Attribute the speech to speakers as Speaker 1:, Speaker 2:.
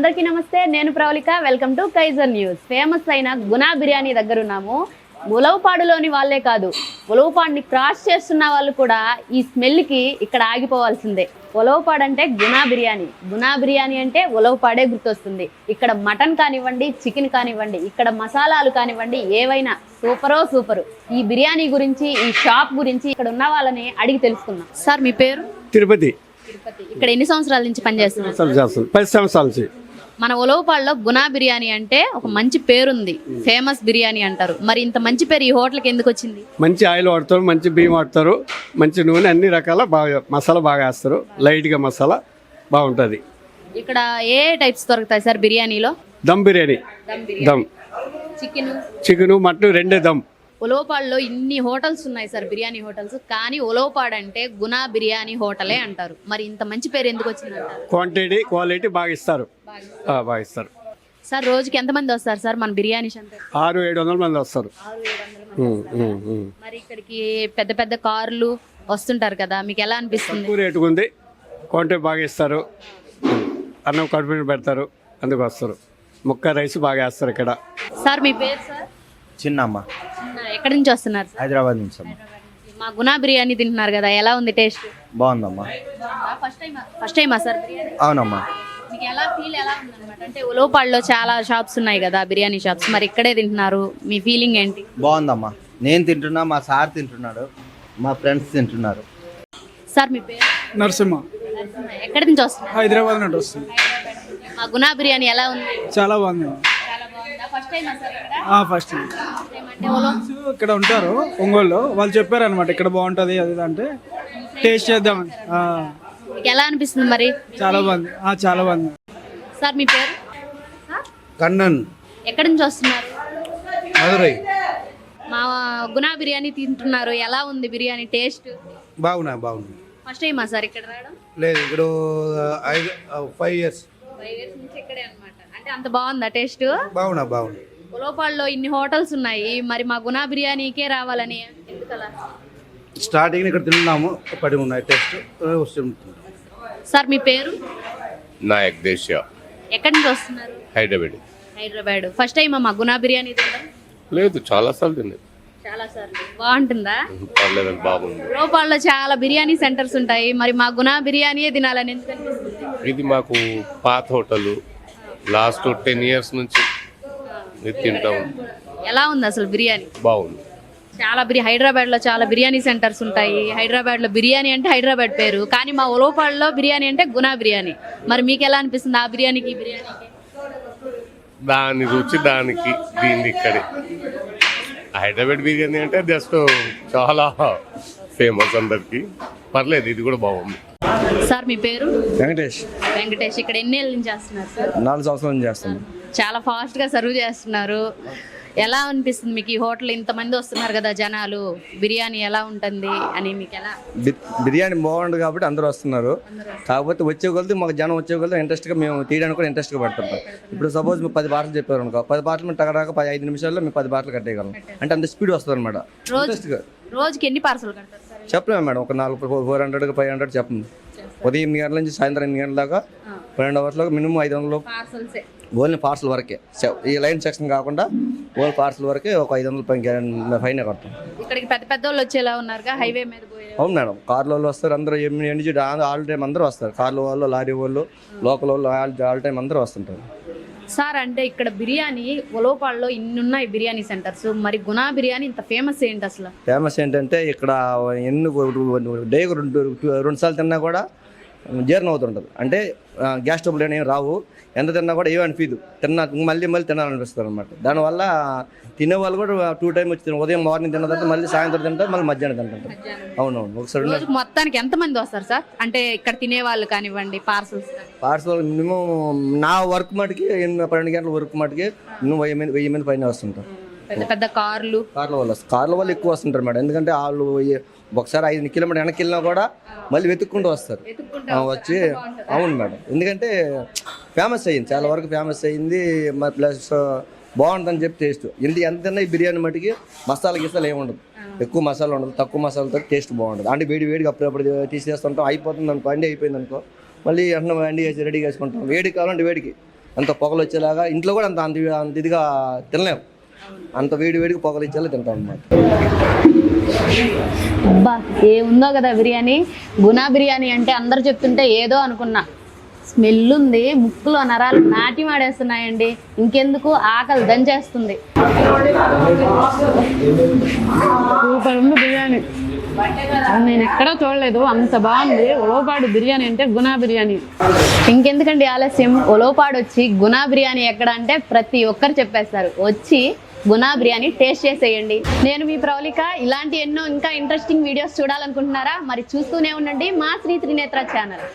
Speaker 1: అందరికీ నమస్తే, నేను Pravalika. Welcome to Kaizer news. Famous అయిన గునా బిర్యానీ దగ్గర ఉన్నాము. ఉలవపాడులోని వాళ్ళే కాదు, ఉలవపాడుని క్రాస్ చేస్తున్న వాళ్ళు కూడా ఈ స్మెల్కి ఇక్కడ ఆగిపోవాల్సిందే. ఉలవపాడు అంటే గునా బిర్యానీ అంటే ఉలవపాడే గుర్తొస్తుంది. ఇక్కడ మటన్ కానివ్వండి, చికెన్ కానివ్వండి, ఇక్కడ మసాలాలు కానివ్వండి, ఏవైనా సూపరు. ఈ బిర్యానీ గురించి, ఈ షాప్ గురించి ఇక్కడ ఉన్న వాళ్ళని అడిగి తెలుసుకుందాం. సార్, మీ పేరు?
Speaker 2: తిరుపతి.
Speaker 1: ఇక్కడ ఎన్ని సంవత్సరాల నుంచి పనిచేస్తున్నారు?
Speaker 2: 10 సంవత్సరాల నుంచి.
Speaker 1: మన ఉలవపాడులో గునా బిర్యానీ అంటే ఒక మంచి పేరుంది, ఫేమస్ బిర్యానీ అంటారు. మరి ఇంత మంచి పేరు ఈ హోటల్కి ఎందుకు వచ్చింది?
Speaker 2: మంచి ఆయిల్ వాడతారు, మంచి బియ్యం వాడతారు, మంచి నూనె, అన్ని రకాల బాగా మసాలా బాగా వేస్తారు. లైట్గా మసాలా బాగుంటుంది.
Speaker 1: ఇక్కడ ఏ టైప్స్ దొరుకుతాయి సార్ బిర్యానీలో?
Speaker 2: దమ్ బిర్యానీ, దమ్ చికెన్, మటన్ రెండే దమ్.
Speaker 1: ఉలవపాడులో ఇన్ని హోటల్స్ ఉన్నాయి సార్, బిర్యానీ హోటల్స్, కానీ ఉలవపాడు అంటే గునా బిర్యానీ హోటలే అంటారు. మరి ఇంత మంచి పేరు ఎందుకు వచ్చింది అంటారు?
Speaker 2: క్వాలిటీ బాగా ఇస్తారు.
Speaker 1: సార్, రోజుకి ఎంతమంది వస్తారు సార్ మన బిర్యానీ సెంటర్?
Speaker 2: 600-700 మంది వస్తారు.
Speaker 1: మరి ఇక్కడికి పెద్ద పెద్ద కార్లు వస్తుంటారు కదా, మీకు ఎలా అనిపిస్తుంది?
Speaker 2: తక్కువ రేటుగా ఉంది, క్వాంటిటీ బాగా ఇస్తారు, అన్నం కడుపు పెడతారు, అందుకు వస్తారు. ముక్క రైస్ బాగా వేస్తారు ఇక్కడ.
Speaker 1: సార్, మీ పేరు సార్?
Speaker 3: చిన్నమ్మ.
Speaker 1: ఎక్కడి నుంచి వస్తున్నారు?
Speaker 3: హైదరాబాద్ నుంచి అమ్మ.
Speaker 1: మా గునా బిర్యానీ తింటున్నారు కదా, ఎలా ఉంది టేస్ట్?
Speaker 3: బాగుందమ్మా.
Speaker 1: ఫస్ట్ టైమా సార్ బిర్యానీ?
Speaker 3: అవునమ్మా.
Speaker 1: మీకు ఎలా ఉందన్నమాట? అంటే ఉలవపాడులో చాలా షాప్స్ ఉన్నాయి కదా, బిర్యానీ షాప్స్, మరి ఇక్కడే తింటున్నారు, మీ ఫీలింగ్ ఏంటి?
Speaker 3: బాగుందమ్మా. నేను తింటున్నా, మా సార్ తింటున్నాడు, మా ఫ్రెండ్స్ తింటున్నారు.
Speaker 1: సార్, మీ పేరు?
Speaker 4: నరసింహ.
Speaker 1: ఎక్కడి నుంచి వస్తున్నారు?
Speaker 4: హైదరాబాద్ నుండి వస్తుంది.
Speaker 1: మా గునా బిర్యానీ ఎలా ఉంది?
Speaker 4: చాలా బాగుంది. ఫస్ట్ ఇక్కడ ఉంటారు ఒంగోలు, వాళ్ళు చెప్పారు అనమాట ఇక్కడ బాగుంటది అది అంటే టేస్ట్ చేద్దామని.
Speaker 1: ఎలా అనిపిస్తుంది మరి?
Speaker 4: చాలా బాగుంది. చాలా బాగుంది.
Speaker 1: సార్, మీ పేరు?
Speaker 5: కన్నన్.
Speaker 1: ఎక్కడి నుంచి వస్తున్నారు?
Speaker 5: మదురై.
Speaker 4: మా
Speaker 1: గునా బిర్యానీ తింటున్నారు, ఎలా ఉంది బిర్యానీ టేస్ట్?
Speaker 5: బాగుంది.
Speaker 1: ఫస్ట్ టైమా సార్ ఇక్కడ రావడం?
Speaker 5: లేదు, ఇక్కడ 5 years.
Speaker 1: 5 years నుంచి ఇక్కడే అన్నమాట. అంటే అంత బాగుందా టేస్ట్?
Speaker 5: బాగుంది.
Speaker 1: ఉలవపాడులో ఇన్ని హోటల్స్ ఉన్నాయి, మరి మా గునా బిర్యానీకే రావాలని ఎందుకలా?
Speaker 5: స్టార్టింగ్ ఇక్కడ తిన్నాము, పడి ఉన్నాయి టేస్ట్ వస్తుంది.
Speaker 1: సార్, మీ పేరు?
Speaker 6: నాయక్ దేశ్యా.
Speaker 1: ఎక్కడి నుంచి వస్తున్నారు? హైదరాబాద్. ఫస్ట్ టైం మా గునా బిర్యానీ తినడం?
Speaker 6: లేదు, చాలా సార్లు తిన్నది.
Speaker 1: చాలా సార్లు. బాగుంటుందా?
Speaker 6: పర్లేదు, బాగుంది.
Speaker 1: ఉలవపాడులో చాలా బిర్యానీ సెంటర్స్ ఉంటాయి, మరి మా గునా బిర్యానీయే తినాలని ఎందుకు అనిపిస్తుంది?
Speaker 6: ఇది మాకు పాత హోటల్, లాస్ట్ 10 years నుంచి తింటాం.
Speaker 1: ఎలా ఉంది అసలు బిర్యానీ?
Speaker 6: బాగుంది.
Speaker 1: చాలా హైదరాబాద్ లో చాలా బిర్యానీ సెంటర్స్ ఉంటాయి. హైదరాబాద్ లో బిర్యానీ అంటే హైదరాబాద్ పేరు, కానీ మా ఉలవపాడులో బిర్యానీ అంటే గునా బిర్యానీ. మరి మీకు ఎలా అనిపిస్తుంది ఆ బిర్యానీకి ఈ బిర్యానీకి?
Speaker 6: దాని రుచి దానికి, దీన్ని ఇక్కడే. హైదరాబాద్ బిర్యానీ అంటే జస్ట్ చాలా ఫేమస్ అందరికి. పర్లేదు, ఇది కూడా బాగుంది.
Speaker 1: సార్, మీ పేరు?
Speaker 3: వెంకటేష్.
Speaker 1: ఇక్కడ ఎన్ని ఏళ్ళ నుంచి చేస్తున్నారు సార్?
Speaker 3: 4 సంవత్సరాల నుంచి చేస్తాను.
Speaker 1: చాలా ఫాస్ట్ గా సర్వ్ చేస్తున్నారు. ఎలా అనిపిస్తుంది మీకు ఈ హోటల్? ఇంతమంది వస్తున్నారు కదా జనాలు, బిర్యానీ ఎలా ఉంటుంది అని మీకు ఎలా?
Speaker 3: బిర్యానీ బాగుంటుంది కాబట్టి అందరూ వస్తున్నారు. కాకపోతే వచ్చే కొలది మాకు జనం వచ్చే కొలది ఇంట్రెస్ట్గా మేము తీయడానికి కూడా ఇంట్రెస్ట్గా పడుతుంటాం. ఇప్పుడు సపోజ్ మీరు 10 బాటలు చెప్పారు అనుకో, 10 బాటలు మేము టగడాక 5 నిమిషాల్లో మేము 10 బాటలు కట్టేయగలం. అంటే అంత స్పీడ్ వస్తుంది అనమాట.
Speaker 1: రోజుకి ఎన్ని పార్సల్ కడతారు?
Speaker 3: చెప్పలేము మేడం, ఒక 400 500 చెప్పండి. ఉదయం 8 గంటల నుంచి సాయంత్రం 8 గంటల దాకా 12 hours లో మినిమం 500 ఓన్లీ పార్సల్ వరకే. ఈ లైన్ సెక్షన్ కాకుండా ఓన్లీ పార్సల్ వరకే ఒక 500 ఫైన్ కడతాం.
Speaker 1: ఇక్కడికి పెద్ద వాళ్ళు వచ్చేలా ఉన్నారుగా, హైవే మీద పోయే.
Speaker 3: అవును మేడం, కార్ల వాళ్ళు వస్తారు, అందరూ ఆల్ టైం అందరూ వస్తారు. కార్ల వాళ్ళు, లారీ వాళ్ళు, లోకల్ వాళ్ళు, ఆల్ టైం అందరూ వస్తుంటారు.
Speaker 1: సార్, అంటే ఇక్కడ బిర్యానీ ఉలవపాడులో ఇన్ని ఉన్నాయి బిర్యానీ సెంటర్స్, మరి గునా బిర్యానీ ఇంత ఫేమస్ ఏంటి అసలు?
Speaker 3: ఫేమస్ ఏంటంటే ఇక్కడ డేకు 2 సార్లు తిన్నా కూడా జీర్ణం అవుతుంటుంది. అంటే గ్యాస్ ట్రబుల్ అనేవి రావు, ఎంత తిన్నా కూడా ఏమీ అనిపించదు, మళ్ళీ తినాలనిపిస్తుంది అనమాట. దానివల్ల తినేవాళ్ళు కూడా 2 times వచ్చి ఉదయం మార్నింగ్ తిన్న తర్వాత మళ్ళీ సాయంత్రం తింటారు, మళ్ళీ మధ్యాహ్నం తింటారు. అవునవును. ఒకసారి
Speaker 1: మొత్తానికి ఎంతమంది వస్తారు సార్? అంటే ఇక్కడ తినేవాళ్ళు కానివ్వండి,
Speaker 3: పార్సల్ మినిమం నా వర్క్ మటుకి 12 గంటల వర్క్ మటుకి మినిమం 1000 మంది పైన వస్తుంటారు.
Speaker 1: పెద్ద కార్ల
Speaker 3: వాళ్ళు ఎక్కువ వస్తుంటారు మేడం. ఎందుకంటే వాళ్ళు ఒకసారి 5 kilometers వెనక్కి వెళ్ళినా కూడా మళ్ళీ వెతుక్కుంటూ వస్తారు వచ్చి. అవును మేడం, ఎందుకంటే ఫేమస్ అయ్యింది, చాలా వరకు ఫేమస్ అయ్యింది. ప్లస్ బాగుంటుందని చెప్పి టేస్ట్ ఎంత ఈ బిర్యానీ మటుకి మసాలా గిసాలు ఏమి ఉండదు, ఎక్కువ మసాలా ఉండదు, తక్కువ మసాలాతో టేస్ట్ బాగుంటుంది. అంటే వేడిగా అప్పుడప్పుడు తీసేస్తుంటాం, అయిపోతుంది అనుకో, అండి అయిపోయింది అనుకో, మళ్ళీ వెంటనే అండి వేసి రెడీ చేసుకుంటాం. వేడి కావాలంటే వేడికి అంత పొగలు వచ్చేలాగా ఇంట్లో కూడా అంత అంత అంత ఇదిగా తినలేము, అంత వేడికి పొగలు ఇచ్చేలా తింటాం అన్నమాట.
Speaker 1: అబ్బా ఏముందో కదా బిర్యానీ. గునా బిర్యానీ అంటే అందరు చెప్తుంటే ఏదో అనుకున్నా, స్మెల్ ఉంది, ముక్కులో నరాలు నాటి మాడేస్తున్నాయండి. ఇంకెందుకు ఆకలి దంచేస్తుంది. సూపర్ ఉంది బిర్యానీ, నేను ఎక్కడా చూడలేదు, అంత బాగుంది. ఉలవపాడు బిర్యానీ అంటే గునా బిర్యానీ. ఇంకెందుకండి ఆలస్యం, ఉలవపాడు వచ్చి గునా బిర్యానీ ఎక్కడ అంటే ప్రతి ఒక్కరు చెప్పేస్తారు. వచ్చి గునా బిర్యానీ టేస్ట్ చేసేయండి. నేను మీ ప్రవళిక. ఇలాంటి ఎన్నో ఇంకా ఇంట్రెస్టింగ్ వీడియోస్ చూడాలనుకుంటున్నారా? మరి చూస్తూనే ఉండండి మా శ్రీ త్రినేత్ర ఛానల్.